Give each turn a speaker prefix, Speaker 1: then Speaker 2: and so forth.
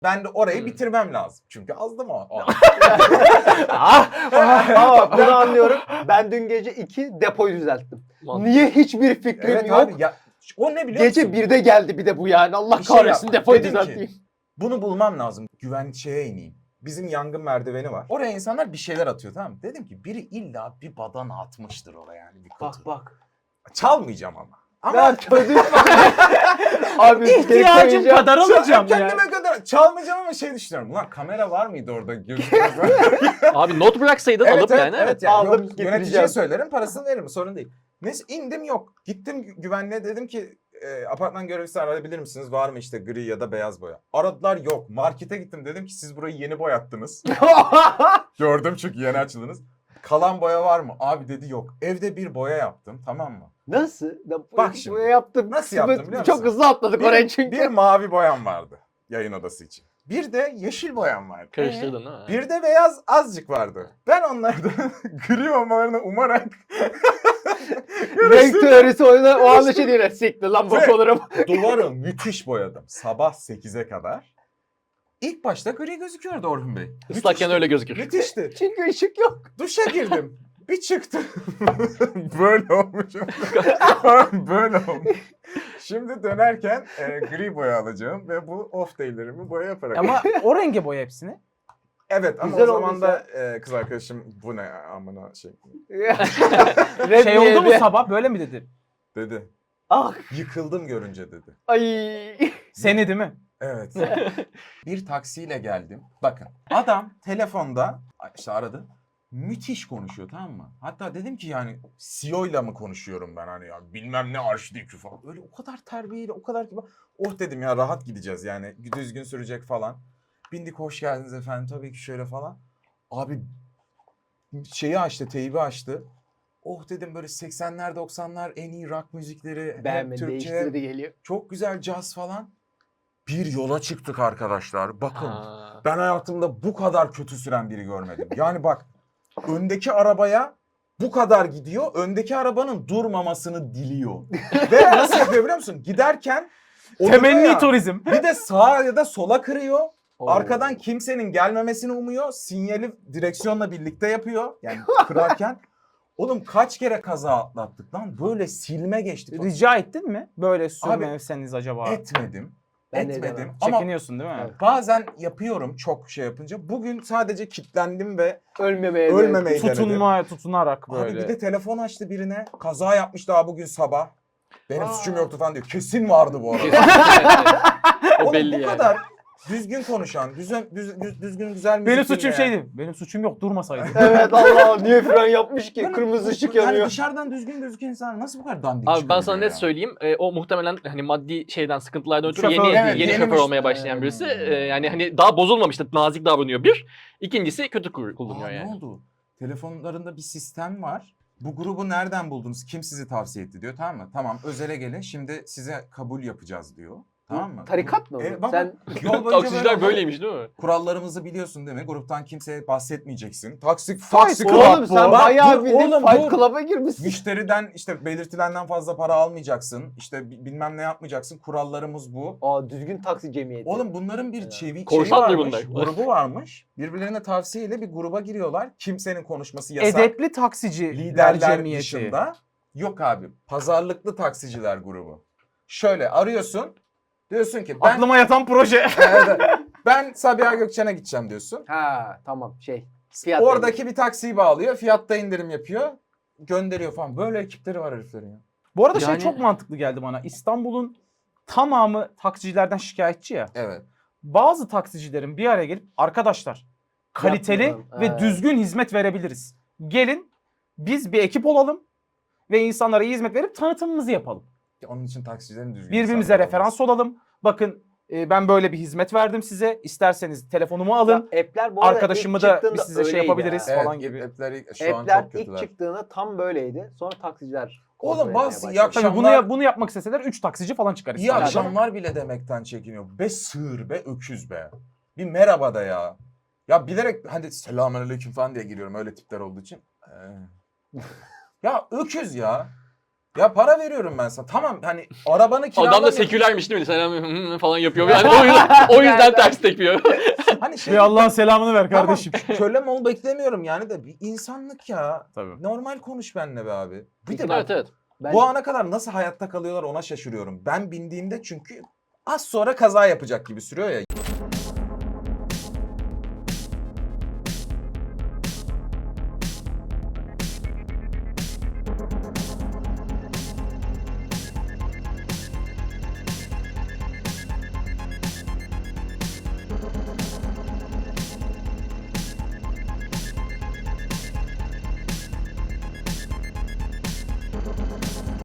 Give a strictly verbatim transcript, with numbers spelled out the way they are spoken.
Speaker 1: Ben de orayı
Speaker 2: Hmm.
Speaker 1: bitirmem lazım. Çünkü azdı mı o? o.
Speaker 3: Ama bunu anlıyorum. Ben dün gece iki depoyu düzelttim.
Speaker 2: Mantıklı.
Speaker 3: Niye hiçbir fikrim
Speaker 1: Evet
Speaker 3: yok.
Speaker 1: abi ya o ne biliyor
Speaker 3: Gece
Speaker 1: musun?
Speaker 3: birde geldi bir de bu yani. Allah
Speaker 1: Bir şey
Speaker 3: kahretsin
Speaker 1: yap.
Speaker 3: depoyu
Speaker 1: Dedim ki,
Speaker 3: düzelteyim.
Speaker 1: Bunu bulmam lazım. Güvenli şeye ineyim. Bizim yangın merdiveni var. Oraya insanlar bir şeyler atıyor, tamam mı? Dedim ki biri illa bir badana atmıştır oraya yani bir kutu.
Speaker 3: Bak bak.
Speaker 1: Çalmayacağım ama. Ama
Speaker 3: Ben çözdüm. Abi
Speaker 4: İhtiyacım kadar
Speaker 1: Çal-
Speaker 4: alacağım ya.
Speaker 1: kendime kadar çalmayacağım ama şey düşünüyorum. Ulan kamera var mıydı orada?
Speaker 2: Abi not bıraksaydın
Speaker 1: evet,
Speaker 2: alıp
Speaker 1: evet,
Speaker 2: yani.
Speaker 1: evet, yani
Speaker 3: Aldım,
Speaker 1: yok,
Speaker 3: getireceğim.
Speaker 1: yöneticiye söylerim, parasını veririm, sorun değil. Neyse indim yok. Gittim gü- güvenliğe, dedim ki e, apartman görevlisi arayabilir misiniz? Var mı işte gri ya da beyaz boya? Aradılar, yok. Markete gittim, dedim ki siz burayı yeni boyattınız. Gördüm çünkü yeni açıldınız. Kalan boya var mı? Abi dedi yok. Evde bir boya yaptım, tamam mı?
Speaker 3: Nasıl?
Speaker 1: Bak şimdi.
Speaker 3: Buraya yaptım.
Speaker 1: Nasıl yaptım biliyor
Speaker 3: Çok
Speaker 1: musun?
Speaker 3: hızlı atladık oraya çünkü.
Speaker 1: Bir mavi boyam vardı yayın odası için. Bir de yeşil boyam vardı.
Speaker 2: Karıştırdın değil mi?
Speaker 1: Bir de beyaz azıcık vardı. Ben onlardan gri olmalarını umarak
Speaker 3: Renk teorisi oyunu o anda şey diyorlar. Siktir lan bok
Speaker 1: Ve-
Speaker 3: olurum.
Speaker 1: duvarı müthiş boyadım. Sabah sekize kadar. İlk başta gri gözüküyordu Orhun Bey.
Speaker 2: Islakken
Speaker 1: Müthişti.
Speaker 2: öyle gözükür.
Speaker 1: Müthişti.
Speaker 3: Çünkü ışık yok.
Speaker 1: Duşa girdim. Bir çıktım. Böyle olmuşum. Böyle olmuş. Şimdi dönerken e, gri boya alacağım ve bu off day'lerimi boya yaparak.
Speaker 4: Ama o renge boya hepsini.
Speaker 1: Evet ama
Speaker 3: Güzel
Speaker 1: o zaman
Speaker 3: olmuş
Speaker 1: da e, kız arkadaşım bu ne ya, amına şey
Speaker 3: Red
Speaker 4: Şey oldu mu
Speaker 3: diye.
Speaker 4: sabah böyle mi dedi?
Speaker 1: dedi.
Speaker 3: Ah.
Speaker 1: Yıkıldım görünce dedi.
Speaker 3: Ay.
Speaker 4: Seni değil mi?
Speaker 1: Evet. Bir taksiyle geldim. Bakın adam telefonda işte aradı. Müthiş konuşuyor, tamam mı? Hatta dedim ki yani C E O ile mi konuşuyorum ben hani ya bilmem ne arşidiki falan. Öyle o kadar terbiyeli, o kadar kibar. Oh dedim ya rahat gideceğiz yani düzgün sürecek falan. Bindik, hoş geldiniz efendim tabii ki şöyle falan. Abi şeyi açtı, teybi açtı. Oh dedim böyle seksenler doksanlar en iyi rock müzikleri. hep
Speaker 3: Beğenmedi,
Speaker 1: Türkçe,
Speaker 3: değiştirdi geliyor.
Speaker 1: çok güzel caz falan. Bir yola çıktık arkadaşlar. Bakın
Speaker 2: Ha.
Speaker 1: ben hayatımda bu kadar kötü süren biri görmedim. Yani bak öndeki arabaya bu kadar gidiyor. Öndeki arabanın durmamasını diliyor. Ve nasıl yapıyor biliyor musun? Giderken oluyor
Speaker 4: Temenni
Speaker 1: ya,
Speaker 4: turizm.
Speaker 1: bir de sağa ya da sola kırıyor.
Speaker 3: Oo.
Speaker 1: Arkadan kimsenin gelmemesini umuyor. Sinyali direksiyonla birlikte yapıyor. Yani kırarken. Oğlum kaç kere kaza atlattık lan. Böyle silme geçtik.
Speaker 4: Rica ettin mi? Böyle
Speaker 1: Abi,
Speaker 4: sürmevseniz acaba?
Speaker 1: Etmedim.
Speaker 3: Ben de
Speaker 1: etmedim.
Speaker 3: edemem.
Speaker 1: Ama
Speaker 4: Çekiniyorsun değil mi?
Speaker 3: Evet.
Speaker 1: bazen yapıyorum çok şey yapınca. Bugün sadece kilitlendim ve
Speaker 3: Ölmemeye
Speaker 1: ölmemeyi denedim.
Speaker 4: Tutunma, tutunarak
Speaker 1: Abi
Speaker 4: böyle.
Speaker 1: bir de telefon açtı birine. Kaza yapmış daha bugün sabah. Benim
Speaker 3: Aa.
Speaker 1: suçum yoktu falan diyor. Kesin vardı bu arada.
Speaker 2: O
Speaker 1: Oğlum
Speaker 2: belli
Speaker 1: bu
Speaker 2: yani.
Speaker 1: kadar düzgün konuşan, düzgün, düz, düz- düzgün güzel müzik
Speaker 4: Benim suçum
Speaker 1: dinleyen.
Speaker 4: şeydi. Benim suçum yok, durmasaydı.
Speaker 3: Evet Allah niye fren yapmış ki?
Speaker 1: Yani
Speaker 3: Kırmızı
Speaker 1: bu-
Speaker 3: ışık
Speaker 1: yani
Speaker 3: yanıyor.
Speaker 1: dışarıdan düzgün gözüken insan nasıl bu kadar dandik
Speaker 2: Abi ben
Speaker 1: çıkabiliyor
Speaker 2: sana net
Speaker 1: ya?
Speaker 2: söyleyeyim. e, o muhtemelen hani maddi şeyden sıkıntılardan ötürü
Speaker 4: Şoför,
Speaker 2: yeni
Speaker 1: evet,
Speaker 2: yeni
Speaker 1: yenimiş.
Speaker 2: şoför olmaya başlayan birisi. E, yani hani daha bozulmamıştı, nazik davranıyor bir. İkincisi kötü kur- kullanıyor
Speaker 1: Aa,
Speaker 2: yani.
Speaker 1: Ne oldu? Telefonlarında bir sistem var. Bu grubu nereden buldunuz? Kim sizi tavsiye etti diyor. Tamam mı? Tamam özele gelin. Şimdi size kabul yapacağız diyor. Tamam mı?
Speaker 3: Tarikat mı bu?
Speaker 1: E, baba,
Speaker 3: Sen
Speaker 1: yol boyunca
Speaker 2: Taksiciler
Speaker 1: böyle oldu.
Speaker 2: böyleymiş değil mi?
Speaker 1: Kurallarımızı biliyorsun değil mi? Gruptan kimseye bahsetmeyeceksin. Taksi,
Speaker 4: Fight
Speaker 1: taksi
Speaker 4: Club
Speaker 3: oğlum
Speaker 1: bu.
Speaker 3: sen
Speaker 1: Bak,
Speaker 3: bayağı
Speaker 1: dur
Speaker 3: bildiğin
Speaker 1: oğlum,
Speaker 3: Fight
Speaker 1: dur.
Speaker 3: Club'a girmişsin.
Speaker 1: Müşteriden işte belirtilenden fazla para almayacaksın. İşte bi- bilmem ne yapmayacaksın. Kurallarımız bu.
Speaker 3: Aa düzgün taksi cemiyeti.
Speaker 1: Oğlum bunların bir
Speaker 3: Evet.
Speaker 1: çevi, şeyi
Speaker 2: Korsandır
Speaker 1: varmış,
Speaker 2: bunlar.
Speaker 1: grubu varmış. Birbirlerine tavsiyeyle bir gruba giriyorlar. Kimsenin konuşması yasak.
Speaker 4: Edepli taksici
Speaker 1: Liderler
Speaker 4: cemiyeti.
Speaker 1: dışında. Yok abi. Pazarlıklı taksiciler grubu. Şöyle arıyorsun. Diyorsun ki ben
Speaker 4: Aklıma yatan proje.
Speaker 1: Evet, ben Sabiha Gökçen'e gideceğim diyorsun.
Speaker 3: Ha tamam şey. Fiyat
Speaker 1: Oradaki bir taksiyi bağlıyor. Fiyatta indirim yapıyor. Gönderiyor falan. Böyle ekipleri var heriflerin ya.
Speaker 4: Bu arada
Speaker 2: Yani-
Speaker 4: şey çok mantıklı geldi bana. İstanbul'un tamamı taksicilerden şikayetçi ya.
Speaker 1: Evet.
Speaker 4: Bazı taksicilerin bir araya gelip arkadaşlar kaliteli
Speaker 3: Yapmayalım,
Speaker 4: ve
Speaker 3: evet.
Speaker 4: düzgün hizmet verebiliriz. Gelin biz bir ekip olalım ve insanlara iyi hizmet verip tanıtımımızı yapalım.
Speaker 1: Onun için taksicilerin düzgün
Speaker 4: Birbirimize
Speaker 1: insanlar
Speaker 4: referans
Speaker 1: olması.
Speaker 4: olalım. Bakın e, ben böyle bir hizmet verdim size. İsterseniz telefonumu alın.
Speaker 3: Ya, app'ler bu arada
Speaker 4: Arkadaşımı
Speaker 3: ilk
Speaker 4: da
Speaker 3: çıktığında
Speaker 4: biz size şey
Speaker 3: öyleydi
Speaker 4: yapabiliriz.
Speaker 3: ha.
Speaker 1: Evet,
Speaker 4: falan gibi.
Speaker 1: app'ler şu an
Speaker 3: App'ler
Speaker 1: çok
Speaker 3: ilk
Speaker 1: kötüler.
Speaker 3: çıktığında tam böyleydi. Sonra taksiciler
Speaker 1: Oğlum,
Speaker 3: kontrol
Speaker 1: bazı
Speaker 3: etmeye
Speaker 1: iyi
Speaker 3: başladı.
Speaker 1: akşam-
Speaker 4: Tabii bunu,
Speaker 1: akşamlar-
Speaker 4: ya- bunu yapmak isteseler üç taksici falan çıkar.
Speaker 1: İyi
Speaker 4: İstanbul'da.
Speaker 1: akşamlar bile demekten çekiniyor. Be sığır be öküz be. Bir merhaba da ya. Ya bilerek hadi selamünaleyküm falan diye giriyorum öyle tipler olduğu için. Ee. Ya öküz ya. Ya para veriyorum ben sana. Tamam hani arabanı
Speaker 2: Adam
Speaker 1: kiralamıyorum.
Speaker 2: da sekülermiş değil mi? Selam hı hı falan yapıyor. Yani o yüzden, o yüzden ters tepiyor.
Speaker 1: Hani şey
Speaker 4: Bir Allah'ın selamını ver
Speaker 1: tamam,
Speaker 4: kardeşim.
Speaker 1: kölem ol beklemiyorum yani de bir insanlık ya.
Speaker 4: Tabii.
Speaker 1: Normal konuş benimle be abi. Bir de
Speaker 2: evet
Speaker 1: bak,
Speaker 2: evet.
Speaker 3: Ben-
Speaker 1: bu ana kadar nasıl hayatta kalıyorlar ona şaşırıyorum. Ben bindiğimde çünkü az sonra kaza yapacak gibi sürüyor ya.